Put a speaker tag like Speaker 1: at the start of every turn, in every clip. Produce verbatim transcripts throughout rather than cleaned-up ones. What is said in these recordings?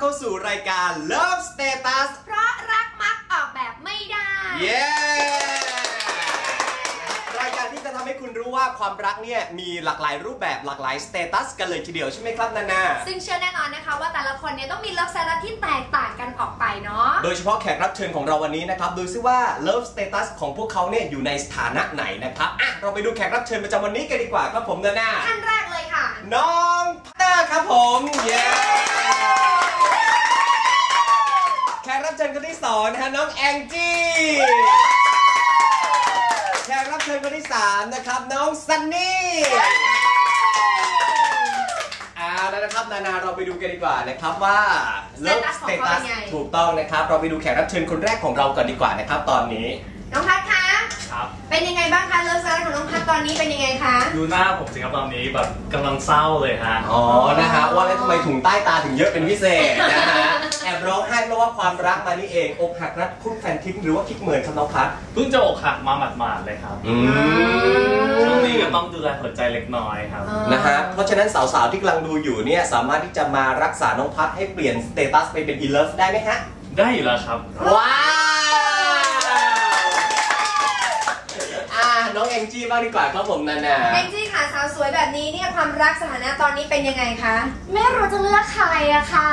Speaker 1: เข้าสู่รายการ Love Status
Speaker 2: เพราะรักมักออกแบบไม่ได้
Speaker 1: เย้รายการที่จะทำให้คุณรู้ว่าความรักเนี่ยมีหลากหลายรูปแบบหลากหลายสเตตัสกันเลยทีเดียวใช่ไหมครับนานา
Speaker 2: ซึ่งเชื่อแน่นอนนะคะว่าแต่ละคนเนี่ยต้องมี Love Status ที่แตกต่างกันออกไปเนาะ
Speaker 1: โดยเฉพาะแขกรับเชิญของเราวันนี้นะครับดูซิว่า Love Status ของพวกเขาเนี่ยอยู่ในสถานะไหนนะครับอ่ะเราไปดูแขกรับเชิญประจำวันนี้กันดีกว่าครับผมนานา
Speaker 2: ท่านแรกเลยค่ะ
Speaker 1: น้องพัตเตอร์ครับผมเย้แขกรับเชิญคนที่สองนะฮะน้องแองจี้แขกรับเชิญคนที่สามนะครับน้องซันนี่เอาแล้วนะครับนานาเราไปดูกันดีกว่านะครับว่า
Speaker 2: Love Status
Speaker 1: ถูกต้องนะครับเราไปดูแขกรับเชิญคนแรกของเราก่อนดีกว่านะครับตอนนี้
Speaker 2: น้องพัดคะ
Speaker 3: ครับ
Speaker 2: เป็นยังไงบ้างคะเลิฟสไตล์ของน้องพัดตอนนี้เป็นยังไงคะ
Speaker 3: ดูหน้าผมสิครับตอนนี้แบบกำลังเศร้าเลยฮะ
Speaker 1: อ๋อนะฮะว่าแล้วทำไมถุงใต้ตาถึงเยอะเป็นพิเศษนะฮะแอบร้องไห้เพราะว่าความรักมานี่เองอกหักรักคุกแฟนทิ้งหรือว่าคิดเหมือนครับน้องพัด
Speaker 3: เพิ่งจะอกหักมาหมาดๆเลยครับช่วงนี้ก็ต้องดูแลหัวใจเล็กน้อยครับ
Speaker 1: นะฮะเพราะฉะนั้นสาวๆที่กำลังดูอยู่เนี่ยสามารถที่จะมารักษาน้องพัดให้เปลี่ยนสเตตัสไปเป็นอีเลิฟได้ไหมฮะ
Speaker 3: ได้อยู่แล้วครับ
Speaker 1: ว้าวน้องแองจี้บ้างดีกว่าครับผมนานา
Speaker 2: แองจี้ค่ะสาวสวยแบบนี้เนี่ยความรักสถานะตอนนี้เป็นยังไงคะ
Speaker 4: ไม่รู้จะเลือกใครอะค่ะ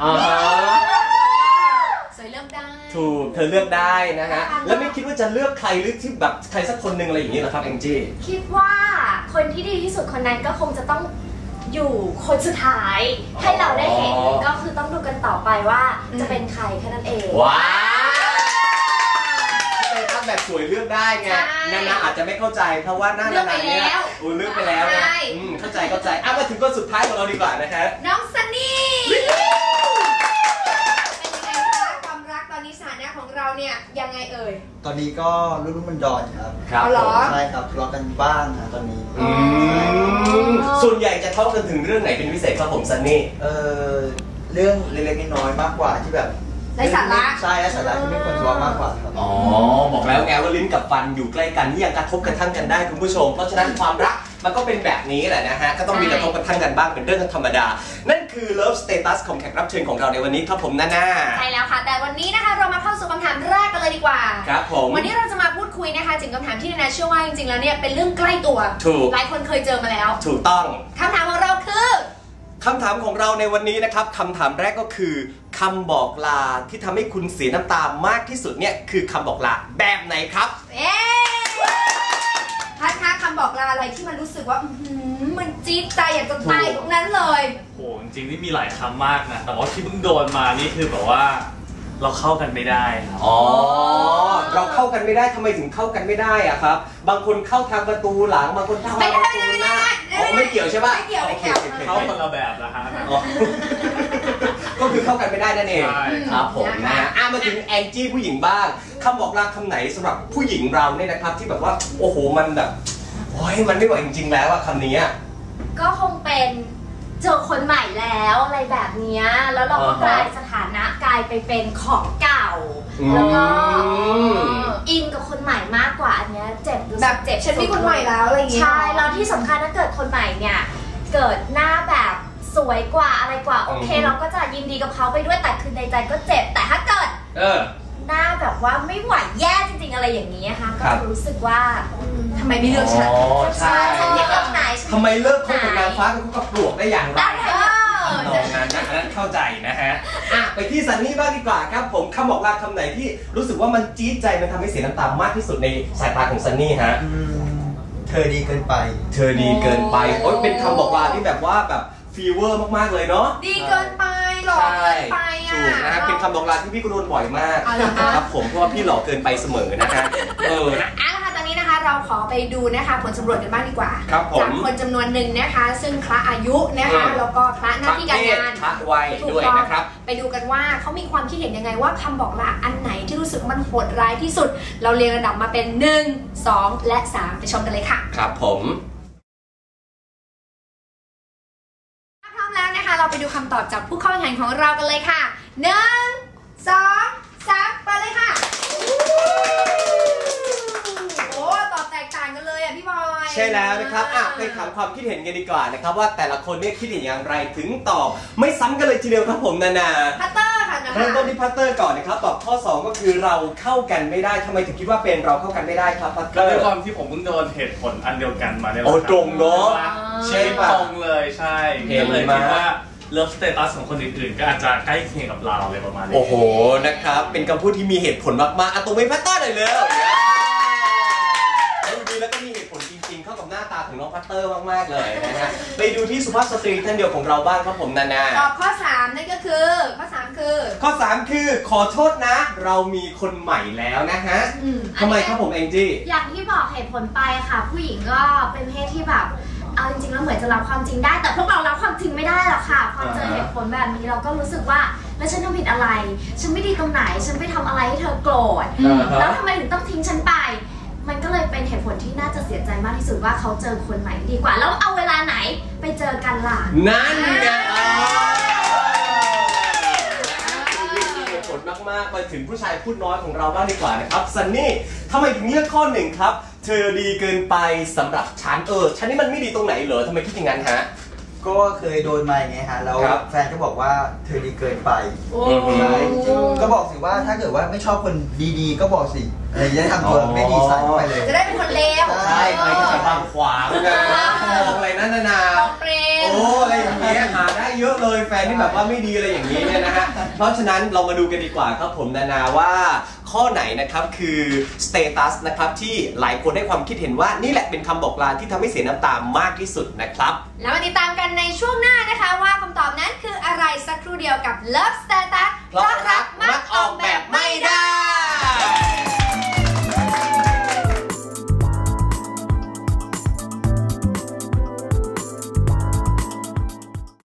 Speaker 2: สวยเลือกได้
Speaker 1: ถูกเธอเลือกได้นะฮะแล้วไม่คิดว่าจะเลือกใครหรือที่แบบใครสักคนหนึ่งอะไรอย่างนี้เหรอครับแองจี้
Speaker 4: คิดว่าคนที่ดีที่สุดคนนั้นก็คงจะต้องอยู่คนสุดท้ายให้เราได้เห็นก็คือต้องดูกันต่อไปว่าจะเป็นใครแค่นั้นเอง
Speaker 1: ว้าวแบบสวยเลือกได้ไงนานาอาจจะไม่เข้าใจเพราะว่าหน้านานาเนี่ยอูเลือกไปแล้วนะเข้าใจเข้าใจอ่ะมาถึงคนสุดท้ายของเราดีกว่านะครับ
Speaker 2: น้องซันนี่เป็นยังไงคะความรักตอนนี้สถานะของเราเนี่ยยังไงเอ่ย
Speaker 5: ตอนนี้ก็รุ่นรุ่นมันดอนครับ
Speaker 1: ครับ
Speaker 5: ใช่ครับทะเลาะกันบ้างนะตอนนี้
Speaker 1: ส่วนใหญ่จะทะเลาะกันถึงเรื่องไหนเป็นพิเศษครับผมซันนี่
Speaker 5: เออเรื่องเล็กๆน้อยๆมากกว่าที่แบบ
Speaker 2: ในสาระ
Speaker 5: ใช่และสาระที่ไม่ควรทะเลาะมากกว่าครับ
Speaker 1: อ๋อบอกแล้วไงว่าลิ้นกับฟันอยู่ใกล้กันนี่ยังกระทบกระทั่งกันได้คุณผู้ชมเพราะฉะนั้นความรักมันก็เป็นแบบนี้แหละนะฮะก็ต้องมีกระทบกระทั่งกันบ้างเป็นเรื่องธรรมดานั่นคือ Love Status ของแขกรับเชิญของเราในวันนี้ครับผมนาน่า
Speaker 2: ใช่แล้วค่ะแต่วันนี้นะคะเรามาเข้าสู่คำถามแรกกันเลยดีกว่า
Speaker 1: ครับผม
Speaker 2: วันนี้เราจะมาพูดคุยนะคะถึงคำถามที่นาน่าเชื่อว่าจริงๆแล้วเนี่ยเป็นเรื่องใกล้ตัว
Speaker 1: ถูก
Speaker 2: หลายคนเคยเจอมาแล้ว
Speaker 1: ถูกต้อง
Speaker 2: คำถามของเราคือ
Speaker 1: คำถามของเราในวันนี้นะครับคำถามแรกก็คือคำบอกลาที่ทำให้คุณเสียน้ำตามากที่สุดเนี่ยคือคำบอกลาแบบไหนครับ
Speaker 2: เอ๊พัดคะคำบอกลาอะไรที่มันรู้สึกว่ามันจี๊ดใจอยากจะตายตรงนั้นเลย
Speaker 3: โหจริงๆนี่มีหลายคำมากนะแต่ว่าที่เพิ่งโดนมานี่คือแบบว่าเราเข้ากันไม่ได้ครับ
Speaker 1: อ๋อเราเข้ากันไม่ได้ทำไมถึงเข้ากันไม่ได้อะครับบางคนเข้าทางประตูหลังบางคนเข้าทางประตูหน้าอ๋อไม่เกี่ยวใช่ปะ
Speaker 2: ไม่เกี่ยวไม่เกี่ยว
Speaker 3: เข้าคนละแบบนะฮะ
Speaker 1: ก็คือเข้ากันไม่ได้นั่นเองครับผมนะอ่ะมาถึงแองจี้ผู้หญิงบ้างคำบอกลาคำไหนสำหรับผู้หญิงเราเนี่ยนะครับที่แบบว่าโอ้โหมันแบบโอ้ยมันไม่ไหวจริงๆแล้วอะคำนี้
Speaker 4: ก็คงเป็นเจอคนใหม่แล้วอะไรแบบนี้แล้วเราก็กลายสถานะกลายไปเป็นของเก่าแล้วก็อินกับคนใหม่มากกว่าอันนี้เจ็บ
Speaker 2: แบบเจ็บฉันมีคนใหม่แล้วอะไรอย่างเงี้ย
Speaker 4: ใช่แล้วที่สำคัญถ้าเกิดคนใหม่เนี่ยเกิดหน้าแบบสวยกว่าอะไรกว่าโอเคเราก็จะยินดีกับเขาไปด้วยแต่คือในใจก็เจ็บแต่ถ้าเกิดหน้าแบบว่าไม่ไหวแย่จริงๆอะไรอย่างนี้นะคะก็รู้สึกว่า
Speaker 2: ทำไมไม่เลือกฉัน
Speaker 1: ใช่
Speaker 4: ฉันเลือกไหน
Speaker 1: ทำไมเลิกคบกับนางฟ้ากับกับปลวกได้อย่างไรตรงนั้นนะนั้นเข้าใจนะฮะอ่ะไปที่ซันนี่บ้างดีกว่าครับผมคำบอกลาคำไหนที่รู้สึกว่ามันจี๊ดใจมันทำให้เสียน้ำตามากที่สุดในสายตาของซันนี่ฮะ
Speaker 5: เธอดีเกินไป
Speaker 1: เธอดีเกินไปโอ๊ยเป็นคำบอกลาที่แบบว่าแบบฟีเวอร์มากๆเลยเนาะ
Speaker 2: ดีเกินไปหล่อเกินไปอ่ะ
Speaker 1: ถูกนะฮะเป็นคำบอกลาที่พี่ก็โดนบ่อยมากนะครับผมเพราะว่าพี่หล่อเกินไปเสมอนะฮะเออ
Speaker 2: อ่ะค่ะตอนนี้นะคะเราขอไปดูนะคะผลสำรวจกันบ้างดีกว่าจากคนจำนวนหนึ่งนะคะซึ่งคละอายุนะคะแล้วก็คละหน้าที่การงาน
Speaker 1: คละวัยด้วยนะครับ
Speaker 2: ไปดูกันว่าเขามีความคิดเห็นยังไงว่าคำบอกลาอันไหนที่รู้สึกมันโหดร้ายที่สุดเราเรียงระดับมาเป็นหนึ่ง สองและสามไปชมกันเลยค่ะ
Speaker 1: ครับผม
Speaker 2: เราไปดูคำตอบจากผู้เข้าแข่งขันของเรากันเลยค่ะหนึ่ง สอง สามไปเลยค่ะโอ้ตอบแตกต่างกันเลยอ่ะพี่บอย
Speaker 1: ใช่แล้วนะครับอ่ะไปถามความคิดเห็นกันดีกว่านะครับว่าแต่ละคนเนี่ยคิดเห็นอย่างไรถึงตอบไม่ซ้ำกันเลยทีเดียวครับผมนานา
Speaker 2: พัตเตอร์ค่ะนะคะ
Speaker 1: เริ่มต้นที่พัตเตอร์ก่อนนะครับตอบข้อสองก็คือเราเข้ากันไม่ได้ทำไมถึงคิดว่าเป็นเราเข้ากันไม่ได้ครับพัตเต
Speaker 3: ก็
Speaker 1: อร์
Speaker 3: ด้วยความที่ผมเพิ่งโดนเหตุผลอันเดียวกันมาเนี่ย
Speaker 1: โอ้ตรงเนาะ
Speaker 3: ใช่ตรงเลยใช่
Speaker 1: เห็น
Speaker 3: ก็เลย
Speaker 1: มา
Speaker 3: คิดว่าเลิฟสเตตัสของคนอื่นๆก็อาจจะใกล้เคียงกับเราอะไรประมาณนี้
Speaker 1: โอ้โหนะครับเป็นคำพูดที่มีเหตุผลมากๆอ่ะตรงไปพัตเตอร์หน่อยเลยดูดีแล้วก็มีเหตุผลจริงๆเข้ากับหน้าตาของน้องพัตเตอร์มากๆเลยนะฮะไปดูที่สุภาพสตรีท่านเดียวของเราบ้างครับผมนานา
Speaker 2: ตอบข้อสามนั่นก็คือข้อสามคือ
Speaker 1: ข้อสามคือขอโทษนะ เรามีคนใหม่แล้วนะฮะ
Speaker 2: อืม
Speaker 1: ทำไมครับผมแองจี้
Speaker 4: อย่างที่บอกเหตุผลไปค่ะ ผู้หญิงก็เป็นเพศที่แบบเอาจริงๆแล้วเหมือนจะรับความจริงได้ แต่พวกเรารับความจริงไม่ได้หรอกค่ะพอเจอเหตุผลแบบนี้เราก็รู้สึกว่าแล้วฉันทำผิดอะไร ฉันไม่ดีตรงไหน ฉันไปทำอะไรให้เธอโกรธ
Speaker 1: อ่าฮะ
Speaker 4: แล้วทำไมถึงต้องทิ้งฉันไป มันก็เลยเป็นเหตุผลที่น่าจะเสียใจมากที่สุดว่าเขาเจอคนใหม่ดีกว่าแล้วเอาเวลาไหนไปเจอกันล่ะ
Speaker 1: นั่นไงมีเหตุผลมากๆมาถึงผู้ชายพูดน้อยของเราบ้างดีกว่านะครับซันนี่ทำไมถึงเลือกข้อหนึ่งครับเธอดีเกินไปสำหรับฉันเออฉันนี่มันไม่ดีตรงไหนเหรอทำไมคิดอย่างนั้นฮะ
Speaker 5: ก็เคยโดนมาอย่างเงี้ยฮะแล้ว
Speaker 1: ครับ
Speaker 5: แฟนก็บอกว่าเธอดีเกินไป
Speaker 2: โอ้
Speaker 5: ใช่ก็บอกสิว่าถ้าเกิดว่าไม่ชอบคนดีๆ ก็บอกสิอะไรอย่าทำตัวไม่ดีใส่เข้าไปเลย
Speaker 2: จะได้เป็นคนเลว
Speaker 1: ใช่ใครก็จะบางขวางนะมองอะไรนั่นนานา
Speaker 2: ตองเปรม
Speaker 1: โอ้อะไรอย่างเงี้ยหาได้เยอะเลยแฟนที่แบบว่าไม่ดีอะไรอย่างนี้เนี่ยนะฮะเพราะฉะนั้นเรามาดูกันดีกว่าครับผมนานาว่าข้อไหนนะครับคือสเตตัสนะครับที่หลายคนให้ความคิดเห็นว่านี่แหละเป็นคำบอกลาที่ทำให้เสียน้ำตามากที่สุดนะครับ
Speaker 2: แล้วมาติดตามกันในช่วงหน้านะคะว่าคำตอบนั้นคืออะไรสักครู่เดียวกับ Love Status
Speaker 1: เพราะรักมักออกแบบไม่ได้